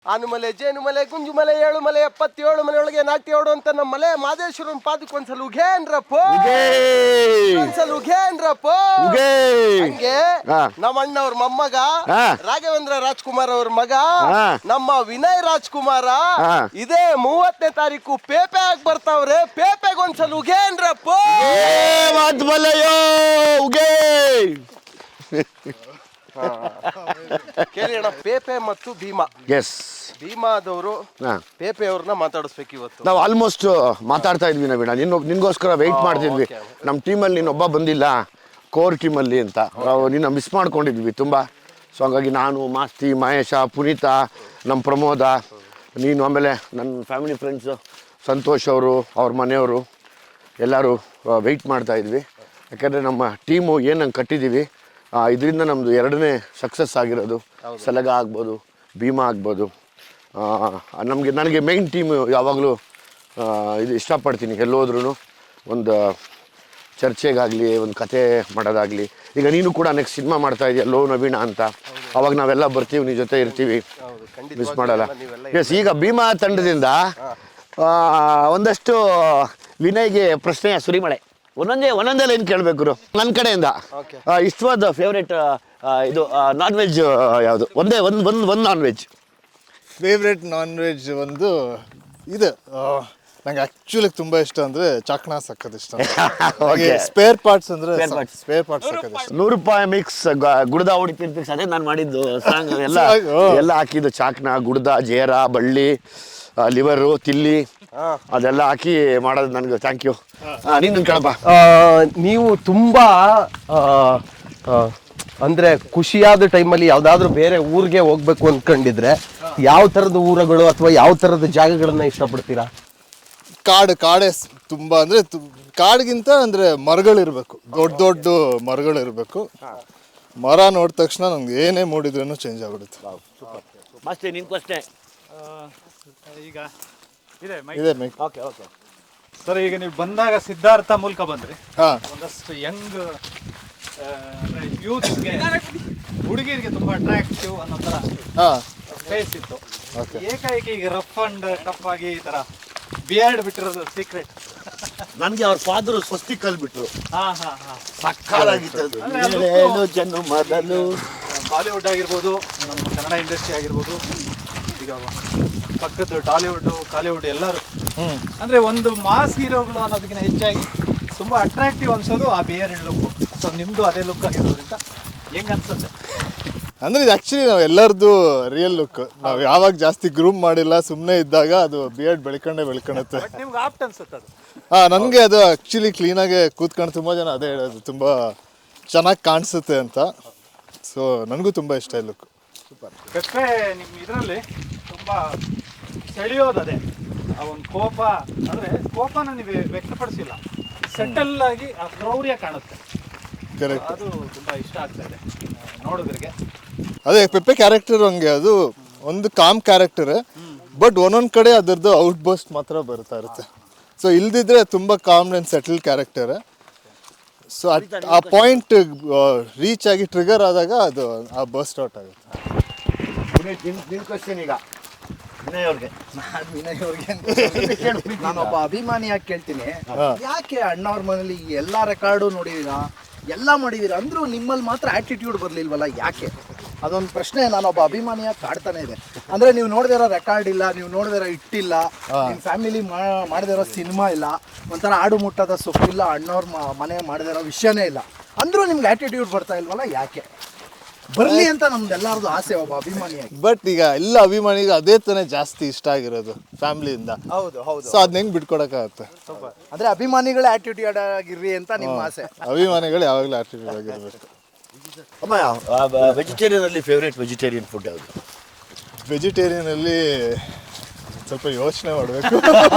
ಆನುಮಲೆ ಜೇನುಮಲೆ ಗುಂಜುಮಲೆ ಏಳುಮಲೆ 77 ಮನೆಯೊಳಗೆ ನಾಟ್ಯೋಡು ಅಂತ ನಮ್ಮ ಮಲೆ ಮಾದೇಶ್ವರನ್ ಪಾದಕ್ಕೆ ಒಂದ್ಸಲ ಉಘೇನ್ರಪ್ಪೋ ಒಂದ್ಸಲ ಉಘೇನ್ರಪ್ಪೋ ಹಂಗೆ ನಮ್ಮ ಅಣ್ಣವ್ರ ಮೊಮ್ಮಗ ರಾಘವೇಂದ್ರ ರಾಜ್ಕುಮಾರ್ ಅವ್ರ ಮಗ ನಮ್ಮ ವಿನಯ್ ರಾಜ್ಕುಮಾರ ಇದೇ 30ನೇ ತಾರೀಕು ಪೇಪೆ ಆಗಿ ಬರ್ತಾವ್ರೆ. ಪೇಪೆಗೆ ಒಂದ್ಸಲ ಉಘೇನ್ರಪ್ಪೋ ಕೇಳಿ ಅಣ್ಣ, ಪೇಪೆ ಮತ್ತು ಭೀಮಾ. ಎಸ್, ಭೀಮಾದವರು ಪೇಪೆ ಅವ್ರನ್ನ ಮಾತಾಡಿಸ್ಬೇಕು ಇವತ್ತು. ನಾವು ಆಲ್ಮೋಸ್ಟ್ ಮಾತಾಡ್ತಾ ಇದ್ವಿ ನವೀಣ, ನಿನ್ಗೋಸ್ಕರ ವೆಯ್ಟ್ ಮಾಡ್ತಿದ್ವಿ. ನಮ್ಮ ಟೀಮಲ್ಲಿ ನೀನೊಬ್ಬ ಬಂದಿಲ್ಲ, ಕೋರ್ ಟೀಮಲ್ಲಿ ಅಂತ ನಿನ್ನ ಮಿಸ್ ಮಾಡ್ಕೊಂಡಿದ್ವಿ ತುಂಬ. ಸೊ ಹಂಗಾಗಿ ನಾನು, ಮಾಸ್ತಿ, ಮಹೇಶ, ಪುನೀತ, ನಮ್ಮ ಪ್ರಮೋದ, ನೀನು, ಆಮೇಲೆ ನನ್ನ ಫ್ಯಾಮಿಲಿ ಫ್ರೆಂಡ್ಸು ಸಂತೋಷ್ ಅವರು, ಅವ್ರ ಮನೆಯವರು ಎಲ್ಲರೂ ವೆಯ್ಟ್ ಮಾಡ್ತಾ ಇದ್ವಿ. ಯಾಕಂದರೆ ನಮ್ಮ ಟೀಮು ಏನಂಗೆ ಕಟ್ಟಿದ್ದೀವಿ, ಇದರಿಂದ ನಮ್ಮದು 2ನೇ ಸಕ್ಸಸ್ ಆಗಿರೋದು. ಸಲಗ ಆಗ್ಬೋದು, ಭೀಮಾ ಆಗ್ಬೋದು. ನನಗೆ ಮೈನ್ ಟೀಮು ಯಾವಾಗಲೂ ಇದು ಇಷ್ಟಪಡ್ತೀನಿ. ಎಲ್ಲೋದ್ರೂ ಒಂದು ಚರ್ಚೆಗಾಗಲಿ, ಒಂದು ಕತೆ ಮಾಡೋದಾಗಲಿ. ಈಗ ನೀನು ಕೂಡ ನೆಕ್ಸ್ಟ್ ಸಿನಿಮಾ ಮಾಡ್ತಾ ಇದೆಯಾ ಲೋ ನವೀಣ ಅಂತ, ಅವಾಗ ನಾವೆಲ್ಲ ಬರ್ತೀವಿ, ನಿನ್ನ ಜೊತೆ ಇರ್ತೀವಿ, ಮಿಸ್ ಮಾಡಲ್ಲ. ಎಸ್, ಈಗ ಭೀಮಾ ತಂಡದಿಂದ ಒಂದಷ್ಟು ವಿನಯ್ಗೆ ಪ್ರಶ್ನೆಯ ಸುರಿಮಳೆ. ಒಂದೊಂದೇ ಲೈನ್ ಕೇಳಬೇಕು ನನ್ನ ಕಡೆಯಿಂದ. ಇಷ್ಟವಾದ ಫೇವ್ರೇಟ್ ಇದು ನಾನ್ ವೆಜ್ ಯಾವುದು? ಒಂದು non veg favourite non veg ಒಂದು ಇದು ನಂಗೆ ಆ್ಯಕ್ಚುಲಿ ತುಂಬ ಇಷ್ಟ ಅಂದರೆ ಚಾಕ್ನಾ ಸಕ್ಕತ್ ಇಷ್ಟ. ಸ್ಪೇರ್ ಪಾರ್ಟ್ಸ್ ಅಂದರೆ ಸ್ಪೇರ್ ಪಾರ್ಟ್ಸ್ ಸಕ್ಕತ್ ಇಷ್ಟ. 100 ರೂಪಾಯಿ ಮಿಕ್ಸ್ ಗುಡ್ದ ಹೊಡಿತಿರ್ತೀವಿ, ಅದೇ ನಾನು ಮಾಡಿದ್ದು ಸಾಂಗ್. ಎಲ್ಲ ಹಾಕಿದ್ದು ಚಾಕ್ನಾ, ಗುಡ್ದ, ಜೇರ, ಬಳ್ಳಿ, ಲಿವರು, ತಿಲ್ಲಿ ಅದೆಲ್ಲ ಹಾಕಿ ಮಾಡೋದು. ನನಗೆ ಥ್ಯಾಂಕ್ ಯು. ನೀನು ಕೇಳಪ್ಪ. ನೀವು ತುಂಬಾ ಅಂದ್ರೆ ಖುಷಿಯಾದ ಟೈಮಲ್ಲಿ ಯಾವ್ದಾದ್ರು ಬೇರೆ ಊರಿಗೆ ಹೋಗ್ಬೇಕು ಅನ್ಕೊಂಡಿದ್ರೆ ಯಾವ ತರದ ಊರುಗಳು ಅಥವಾ ಯಾವ ತರದ ಜಾಗಗಳನ್ನ ಇಷ್ಟಪಡ್ತೀರಾ? ಕಾಡೇ ತುಂಬಾ ಅಂದ್ರೆ ಕಾಡ್ಗಿಂತ ಅಂದ್ರೆ ಮರಗಳಿರ್ಬೇಕು, ದೊಡ್ಡ ಮರಗಳಿರ್ಬೇಕು. ಮರ ನೋಡಿದ ತಕ್ಷಣ ನಮ್ಗೆ ಏನೇ ಮೂಡಿದ್ರೂ ಚೇಂಜ್ ಆಗ್ಬಿಡುತ್ತೆ. ಈಗ ಇದೆ ಮೈಕ್. ಸರ್, ಈಗ ನೀವು ಬಂದಾಗ ಸಿದ್ಧಾರ್ಥ ಮೂಲಕ ಬಂದ್ರಿ. ಒಂದಷ್ಟು ಯಂಗ್ ಯೂತ್ಗೆ, ಹುಡುಗಿರಿಗೆ ತುಂಬಾ ಅಟ್ರಾಕ್ಟಿವ್ ಅನ್ನೋ ತರ ಫೇಸ್ ಇತ್ತು. ಏಕಾಏಕಿ ಈಗ ರಫ್ ಅಂಡ್ ಟಫ್ ಆಗಿ ಈ ತರ ಬಿಯರ್ಡ್ ಬಿಟ್ಟಿರೋದು ಸೀಕ್ರೆಟ್. ನನಗೆ ಅವ್ರ ಫಾದರು ಸ್ವಸ್ತಿ ಕಲ್ಬಿಟ್ರು. ಬಾಲಿವುಡ್ ಆಗಿರ್ಬೋದು, ನಮ್ಮ ಕನ್ನಡ ಇಂಡಸ್ಟ್ರಿ ಆಗಿರ್ಬೋದು, ಈಗ ಪಕ್ಕದ ಟಾಲಿವುಡ್, ಕಾಲಿವುಡ್ ಎಲ್ಲರೂ ಅಂದ್ರೆ ಒಂದು ಮಾಸ್ ಹೀರೋಗಳು ಅನ್ನೋದಕ್ಕಿಂತ ಹೆಚ್ಚಾಗಿ ತುಂಬಾ ಅಟ್ರಾಕ್ಟಿವ್ ಅನ್ಸೋದು ಆ ಬಿಯರ್ ಲುಕ್. ಸೊ ನಿಮ್ದು ಅದೇ ಲುಕ್ ಆಗಿರೋದ್ರಿಂದ ಹೆಂಗ್ ಅನ್ಸುತ್ತೆ? ಅಂದ್ರೆ ಇದು ಆಕ್ಚುಲಿ ನಾವು ಎಲ್ಲರದು ರಿಯಲ್ ಲುಕ್. ನಾವು ಯಾವಾಗ ಜಾಸ್ತಿ ಗ್ರೂಮ್ ಮಾಡಿಲ್ಲ, ಸುಮ್ಮನೆ ಇದ್ದಾಗ ಅದು ಬಿಯರ್ಡ್ ಬೆಳ್ಕೊಂಡುತ್ತೆ. ನಿಮ್ಗೆ ಆಪ್ಟ್ ಅನ್ಸುತ್ತೆ ಅದು? ನನಗೆ ಅದು ಆಕ್ಚುಲಿ ಕ್ಲೀನಾಗಿ ಕೂತ್ಕೊಂಡು ತುಂಬ ಜನ ಅದೇ ಹೇಳೋದು, ತುಂಬ ಚೆನ್ನಾಗಿ ಕಾಣಿಸುತ್ತೆ ಅಂತ. ಸೊ ನನಗೂ ತುಂಬ ಇಷ್ಟ ಈ ಲುಕ್. ಪೆಪ್ಪೆ ನಿಮ್ಮ ಇದರಲ್ಲಿ ತುಂಬ ಸೆಳೆಯೋದು ಅದೇ ಆ ಒಂದು ಕೋಪ. ಅಂದರೆ ಕೋಪನ ನೀವು ವ್ಯಕ್ತಪಡಿಸಿಲ್ಲ, ಸೆಟಲ್ ಆಗಿ ಆ ಕ್ರೌರ್ಯ ಕಾಣುತ್ತೆ. ಅದು ತುಂಬ ಇಷ್ಟ ಆಗ್ತಾ ಇದೆ ನೋಡೋದ್ರಿಗೆ. ಅದೇ ಪೆಪ್ಪೆ ಕ್ಯಾರೆಕ್ಟರ್ ಹಂಗೆ, ಅದು ಒಂದು ಕಾಮ್ ಕ್ಯಾರೆಕ್ಟರ್, ಬಟ್ ಒಂದೊಂದು ಕಡೆ ಅದರದ್ದು ಔಟ್ ಬರ್ಸ್ಟ್ ಮಾತ್ರ ಬರ್ತಾ ಇರುತ್ತೆ. ಸೊ ಇಲ್ದಿದ್ರೆ ತುಂಬ calm and settle character. So ಆ ಪಾಯಿಂಟ್ ರೀಚ್ ಆಗಿ ಟ್ರಿಗರ್ ಆದಾಗ ಅದು ಆ ಬರ್ಸ್ಟ್ ಔಟ್ ಆಗುತ್ತೆ. ಈಗ ನಾನೊಬ್ಬ ಅಭಿಮಾನಿಯಾಗಿ ಕೇಳ್ತೀನಿ, ಯಾಕೆ ಅಣ್ಣವ್ರ ಮನೇಲಿ ಎಲ್ಲ ರೆಕಾರ್ಡು ನೋಡಿದೀರಾ, ಎಲ್ಲ ಮಾಡಿದೀರಾ, ಅಂದ್ರೂ ನಿಮ್ಮಲ್ಲಿ ಮಾತ್ರ ಆಟಿಟ್ಯೂಡ್ ಬರ್ಲಿಲ್ವಲ್ಲ, ಯಾಕೆ? ಅದೊಂದು ಪ್ರಶ್ನೆ ನಾನೊಬ್ಬ ಅಭಿಮಾನಿಯಾಗಿ ಕಾಡ್ತಾನೆ ಇದೆ. ಅಂದ್ರೆ ನೀವು ನೋಡಿದಿರೋ ರೆಕಾರ್ಡ್ ಇಲ್ಲ, ನೀವು ನೋಡಿದಿರೋ ಇಟ್ಟಿಲ್ಲ, ನಿಮ್ಮ ಫ್ಯಾಮಿಲಿ ಮಾಡಿದಿರೋ ಸಿನಿಮಾ ಇಲ್ಲ, ಒಂಥರ ಆಡು ಮುಟ್ಟದ ಸೊಪ್ಪಿಲ್ಲ, ಅಣ್ಣವ್ರ ಮನೆ ಮಾಡಿದಿರೋ ವಿಷಯನೇ ಇಲ್ಲ, ಅಂದ್ರೂ ನಿಮ್ಗೆ ಆಟಿಟ್ಯೂಡ್ ಬರ್ತಾ ಇಲ್ವಲ್ಲ, ಯಾಕೆ? ಬರ್ಲಿ ಅಂತ ನಮ್ದೆಲ್ಲರದು ಆಸೆ ಒಬ್ಬ ಅಭಿಮಾನಿಯಾಗಿ. ಬಟ್ ಈಗ ಎಲ್ಲ ಅಭಿಮಾನಿಗೆ ಅದೇ ತಾನೇ ಜಾಸ್ತಿ ಇಷ್ಟ ಆಗಿರೋದು ಫ್ಯಾಮಿಲಿಯಿಂದ. ಹೌದು. ಸೊ ಅದನ್ನ ಹೆಂಗ್ ಬಿಟ್ಕೊಡಕ್ಕಾಗತ್ತೆ? ಅಂದ್ರೆ ಅಭಿಮಾನಿಗಳೇ ಆಟಿಟ್ಯೂಡ್ ಆಗಿರ್ರಿ ಅಂತ ನಿಮ್ಮ ಆಸೆ. ಅಭಿಮಾನಿಗಳು ಯಾವಾಗಲೂ ಆಟಿಟ್ಯೂಡ್ ಆಗಿರ್ಬೇಕು. ಅಮ್ಮ, ವೆಜಿಟೇರಿಯನ್ ಅಲ್ಲಿ ಫೇವ್ರೇಟ್ ವೆಜಿಟೇರಿಯನ್ ಫುಡ್ ಯಾವುದು? ವೆಜಿಟೇರಿಯನ್ ಅಲ್ಲಿ ಸ್ವಲ್ಪ ಯೋಚನೆ ಮಾಡಬೇಕು.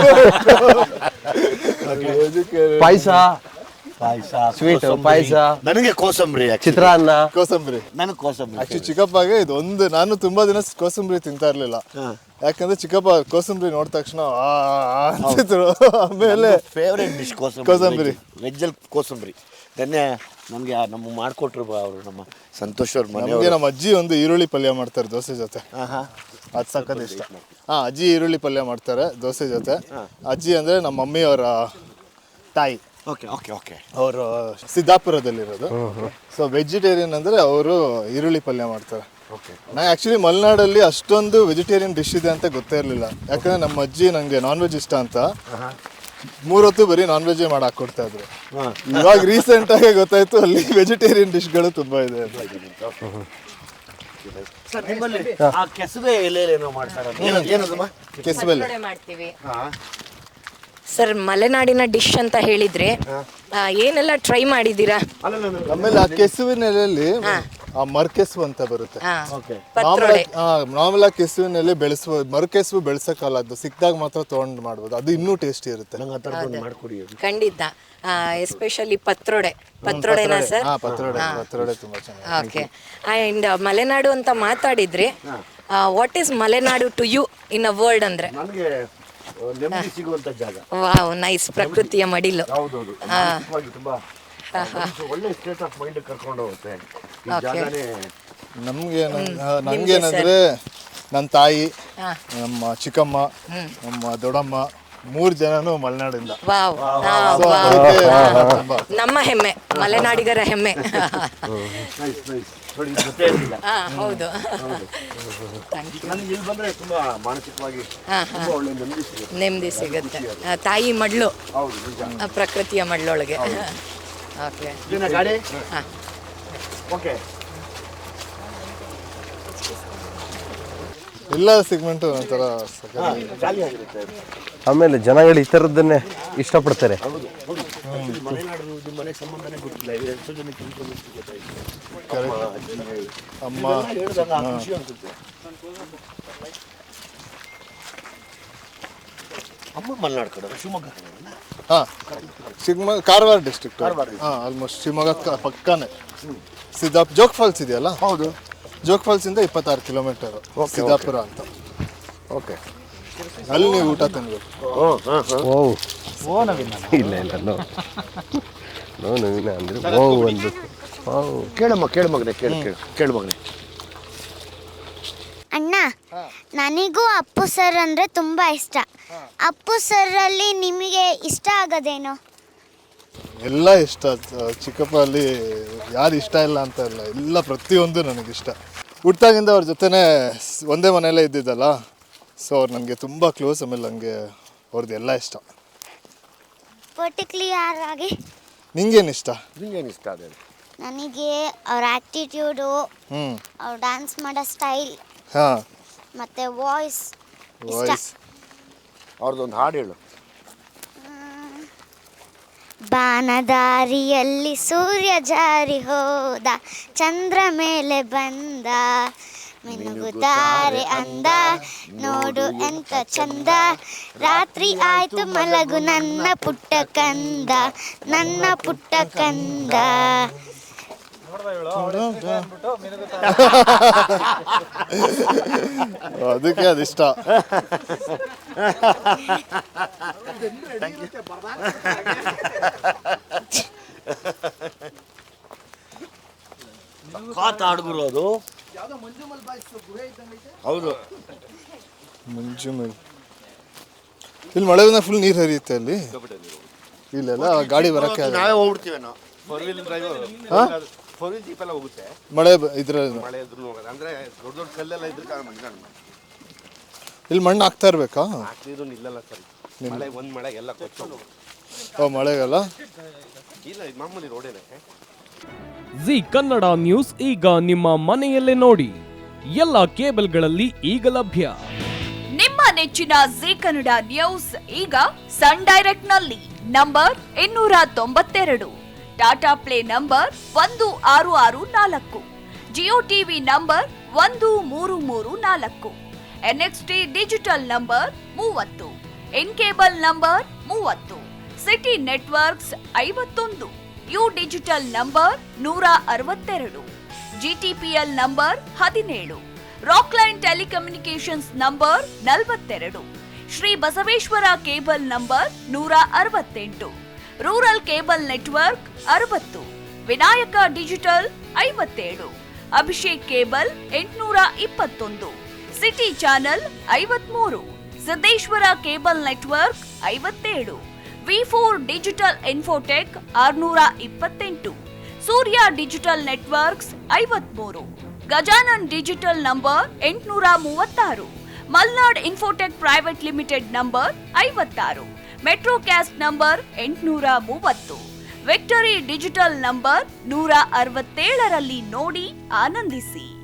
ಪಾಯಸ, ಸ್ವೀಟ್ ಪಾಯಸ, ನನಗೆ ಕೋಸಂಬರಿ, ಚಿತ್ರಾನ್ನ. ಕೋಸಂಬರಿ ನನಗೆ ಕೋಸಂಬರಿ ಆಕ್ಚುಲಿ ಚಿಕ್ಕಪ್ಪಗೆ ಇದು ಒಂದು, ನಾನು ತುಂಬಾ ದಿನ ಕೋಸಂಬರಿ ತಿಂತಾ ಇರ್ಲಿಲ್ಲ. ಯಾಕಂದ್ರೆ ಚಿಕ್ಕಪ್ಪ ಕೋಸಂಬರಿ ನೋಡಿದ ತಕ್ಷಣ ಅಂತಿದ್ರು. ಆಮೇಲೆ ಫೇವ್ರೇಟ್ ಡಿಶ್ ಕೋಸಂಬರಿ, ವೆಜ್ಜಲ್ಲಿ ಕೋಸಂಬರಿ. ನೆನ್ನೆ ನಮಗೆ ನಮ್ಮ ಮಾಡಿಕೊಟ್ರು ಅವರು, ನಮ್ಮ ಸಂತೋಷ್ ಅವ್ರ ಮನೆ. ನಮ್ಮ ಅಜ್ಜಿ ಒಂದು ಈರುಳ್ಳಿ ಪಲ್ಯ ಮಾಡ್ತಾರೆ ದೋಸೆ ಜೊತೆ. ಅದು ಸಖತ್ ಇಷ್ಟ. ಅಜ್ಜಿ ಈರುಳ್ಳಿ ಪಲ್ಯ ಮಾಡ್ತಾರೆ ದೋಸೆ ಜೊತೆ. ಅಜ್ಜಿ ಅಂದರೆ ನಮ್ಮ ಮಮ್ಮಿಯವರ ತಾಯಿ. Okay okay okay. ಅವರು ಸಿದ್ದಾಪುರದಲ್ಲಿರೋದು. ಸೊ ವೆಜಿಟೇರಿಯನ್ ಅಂದರೆ ಅವರು ಈರುಳ್ಳಿ ಪಲ್ಯ ಮಾಡ್ತಾರೆ. ನಾ ಆ್ಯಕ್ಚುಲಿ ಮಲೆನಾಡಲ್ಲಿ ಅಷ್ಟೊಂದು ವೆಜಿಟೇರಿಯನ್ ಡಿಶ್ ಇದೆ ಅಂತ ಗೊತ್ತೇ ಇರಲಿಲ್ಲ. ಯಾಕಂದರೆ ನಮ್ಮ ಅಜ್ಜಿ ನನಗೆ ನಾನ್ ವೆಜ್ ಇಷ್ಟ ಅಂತ 3 ಹೊತ್ತು ಬರೀ ನಾನ್ ವೆಜ್ಜೇ ಮಾಡಿ ಹಾಕ್ಕೊಡ್ತಾ ಇದ್ರು. ಇವಾಗ ರೀಸೆಂಟಾಗಿ ಗೊತ್ತಾಯ್ತು ಅಲ್ಲಿ ವೆಜಿಟೇರಿಯನ್ ಡಿಶ್ಗಳು ತುಂಬ ಇದೆ ಅಂತ. ಸರ್ ನಿಮ್ಮಲ್ಲಿ ಆ ಕೆಸುವೆ ಎಲೆಯಲ್ಲೇನೋ ಮಾಡ್ತಾರೆ, ಏನದಮ್ಮ? ಕೆಸುವೆ ಎಲೆ ಮಾಡ್ತೀವಿ ಸರ್. ಮಲೆನಾಡಿನ ಡಿಶ್ ಅಂತ ಹೇಳಿದ್ರೆ ಏನೆಲ್ಲ ಟ್ರೈ ಮಾಡಿದ್ದೀರಾ? ಆಮೇಲೆ ಆ ಕೆಸುವಿನ ಎಲೆಯಲ್ಲಿ ಆ ಮರ್ಕೆಸು ಅಂತ ಬರುತ್ತೆ. ಪತ್ರೊಡೆ. ನಾರ್ಮಲ್ ಆಗಿ ಕೆಸುವಿನ ಎಲೆ ಬೆಳೆಸುವ ಮರ್ಕೆಸು ಬೆಳೆಸಕ್ಕಲ್ಲ, ಅದು ಸಿಕ್ಕಿದಾಗ ಮಾತ್ರ ತೊಗೊಂಡು ಮಾಡ್ಬೋದು. ಅದು ಇನ್ನೂ ಟೇಸ್ಟಿ ಇರುತ್ತೆ. ಖಂಡಿತ. Especially ಪತ್ರೊಡೆನಾ sir? ಪತ್ರೊಡೆ ತುಂಬಾ ಚೆನ್ನಾಗಿ. ಓಕೆ. ಆ್ಯಂಡ್ ಮಲೆನಾಡು ಅಂತ ಮಾತಾಡಿದ್ರೆ what is Malenadu to you in a word ಅಂದ್ರೆ? ನನಗೆ ನೆಮ್ಮದಿ ಸಿಗುವಂತ ಜಾಗ. Wow, nice. ಪ್ರಕೃತಿಯ ಮಡಿಲು. ಹೌದೌದು, ತುಂಬಾ ಒಳ್ಳೆ ಸ್ಟೇಟ್ ಆಫ್ ಮೈಂಡ್ ಕರ್ಕೊಂಡು ಹೋಗುತ್ತೆ ಈ ಜಾಗನೇ. ನಮ್ಗೇನಂದ್ರೆ ನನ್ನ ತಾಯಿ, ನಮ್ಮ ಚಿಕ್ಕಮ್ಮ, ನಮ್ಮ ದೊಡ್ಡಮ್ಮ 3 ಜನನು ಮಲೆನಾಡಿಂದ. ವಾವ್, ನಮ್ಮ ಹೆಮ್ಮೆ, ಮಲೆನಾಡಿಗರ ಹೆಮ್ಮೆ. ಹೌದು. ನನಗೆ ಇಲ್ಲಿ ಬಂದ್ರೆ ತುಂಬಾ ಮಾನಸಿಕವಾಗಿ ಒಳ್ಳೆ ನೆಮ್ಮದಿ ಸಿಗುತ್ತೆ. ತಾಯಿ ಮಡ್ಲು, ಪ್ರಕೃತಿಯ ಮಡ್ಲೊಳಗೆ. ಓಕೆ. ಗಾಡಿ. ಓಕೆ. ಎಲ್ಲ ಸೆಗ್ಮೆಂಟು ಒಂಥರ ಜಾಲಿಯಾಗಿರುತ್ತೆ. ಆಮೇಲೆ ಜನಗಳು ಈ ಥರದ್ದನ್ನೇ ಇಷ್ಟಪಡ್ತಾರೆ. ಮನೆ ಸಂಬಂಧನೇ ಗೊತ್ತಿಲ್ಲ, ಎಷ್ಟು ಜನಕ್ಕೆ ಅಮ್ಮ ಖುಷಿ ಅನ್ಸುತ್ತೆ. ಅಮ್ಮ ಮಲೆನಾಡು ಕಡೆ, ಶಿವಮೊಗ್ಗ ಕಡೆ. ಶಿವಮೊಗ್ಗ, ಕಾರವಾರ ಡಿಸ್ಟ್ರಿಕ್ಟ್. ಆಲ್ಮೋಸ್ಟ್ ಶಿವಮೊಗ್ಗ ಪಕ್ಕನೇ. ಜೋಗ್ ಫಾಲ್ಸ್ ಇದೆಯಲ್ಲ? ಹೌದು. ಜೋಗ್ ಫಾಲ್ಸಿಂದ 26 ಕಿಲೋಮೀಟರ್ ಸಿದ್ದಾಪುರ ಅಂತ. ಓಕೆ. ಅಲ್ಲಿ ನೀವು ಊಟ ತಿನ್ಬೇಕು. ಇಲ್ಲ ನೋ ನವೀನ ಅಂದ್ರೆ ಒಂದು ಕೇಳು ಮಗನೆ. ಅಣ್ಣ, ನನಗೂ ಅಪ್ಪು ಸರ್ ಅಂದರೆ ತುಂಬ ಇಷ್ಟ. ಅಪ್ಪು ಸರಲ್ಲಿ ನಿಮಗೆ ಇಷ್ಟ ಆಗೋದೇನು? ಎಲ್ಲ ಇಷ್ಟ. ಚಿಕ್ಕಪ್ಪ ಅಲ್ಲಿ ಯಾರು ಇಷ್ಟ ಇಲ್ಲ ಅಂತ ಇಲ್ಲ, ಎಲ್ಲ ಪ್ರತಿಯೊಂದು ನನಗಿಷ್ಟ. ಹುಟ್ಟಾಗಿಂದ ಅವ್ರ ಜೊತೆನೇ ಒಂದೇ ಮನೆಯಲ್ಲೇ ಇದ್ದಿದ್ದಲ್ಲ, ಸೊ ಅವ್ರು ನನಗೆ ತುಂಬ ಕ್ಲೋಸ್. ಆಮೇಲೆ ನನಗೆ ಅವ್ರದ್ದು ಎಲ್ಲ ಇಷ್ಟ. ಪರ್ಟಿಕ್ಯುಲರ್ ಆಗಿ ನಿಂಗೇನು ಇಷ್ಟ? ಅದೇ ನನಗೆ ಅವ್ರ ಆ್ಯಕ್ಟಿಟ್ಯೂಡು, ಅವ್ರು ಡ್ಯಾನ್ಸ್ ಮಾಡೋ ಸ್ಟೈಲ್, ಮತ್ತು ವಾಯ್ಸ್. ಅವ್ರದ್ದೊಂದು ಹಾಡು ಹೇಳು. ಬಾನದಾರಿಯಲ್ಲಿ ಸೂರ್ಯ ಜಾರಿ ಹೋದ, ಚಂದ್ರ ಮೇಲೆ ಬಂದ, ಮಿನುಗುತ್ತಾರೆ ಅಂದ, ನೋಡು ಎಂತ ಚಂದ, ರಾತ್ರಿ ಆಯ್ತು ಮಲಗು ನನ್ನ ಪುಟ್ಟ ಕಂದ, ನನ್ನ ಪುಟ್ಟ ಕಂದ. ಅದಕ್ಕೆ ಅದಿಷ್ಟ. ಹುಡುಗರು ಅದು. ಹೌದು, ಮಂಜುಮಲ್. ಇಲ್ಲಿ ಮಳೆ ಬಂದಾಗ ಫುಲ್ ನೀರು ಹರಿಯುತ್ತೆ ಅಲ್ಲಿ. ಇಲ್ಲೆಲ್ಲ ಗಾಡಿ ಬರಕ್ಕೆ ನಾವೇ ಹೋಗ್ಬಿಡ್ತೀವಿ ನಾವು. ಜೀಪ್ ಎಲ್ಲ ಹೋಗುತ್ತೆ. ಮಳೆ ಇದ್ರ ಮಳೆ ಇದ್ರು ಹೋಗೋದು ಅಂದ್ರೆ ದೊಡ್ಡ ದೊಡ್ಡ ಕಲ್ಲೆಲ್ಲ ಇದ್ರೆ ಇಲ್ಲಿ ಮಣ್ಣು ಹಾಕ್ತಾ ಇರ್ಬೇಕಾ? ಹಾಕ್ತಿದ್ರು ನಿಲ್ಲಲ್ಲ ಸರ್. ಮಳೆ ಒಂದ್ ಮಳೆ ಎಲ್ಲ ಕೊಚ್ಚೋದು. ಮಳೆಗಲ್ಲ ಇಲ್ಲ, ಮಾಮೂಲಿ ರೋಡೇನೆ. ಜಿ ಕನ್ನಡ ನ್ಯೂಸ್ ಈಗ ನಿಮ್ಮ ಮನೆಯಲ್ಲೇ ನೋಡಿ. ಎಲ್ಲ ಕೇಬಲ್ಗಳಲ್ಲಿ ಈಗ ಲಭ್ಯ. ನಿಮ್ಮ ನೆಚ್ಚಿನ ಜಿ ಕನ್ನಡ ನ್ಯೂಸ್ ಈಗ ಸನ್ ಡೈರೆಕ್ಟ್ ನಲ್ಲಿ number 292, Tata play number 1664, Jio TV number 1334, NXT digital number 30, in cable number 30, city networks 51, U digital number 162, GTPL number 17, Rockline telecommunications number 42, Shri Basaveshwara cable number 168, rural cable network 60, Vinayaka digital 57, Abhishek cable 821, city channel 53, Siddeshwara cable network 57, V4 digital infotech 628, Surya digital networks 53, Gajanan digital number 836, Malnad infotech private limited number 56, metrocast number 830, victory digital number 167ರಲ್ಲಿ ನೋಡಿ ಆನಂದಿಸಿ.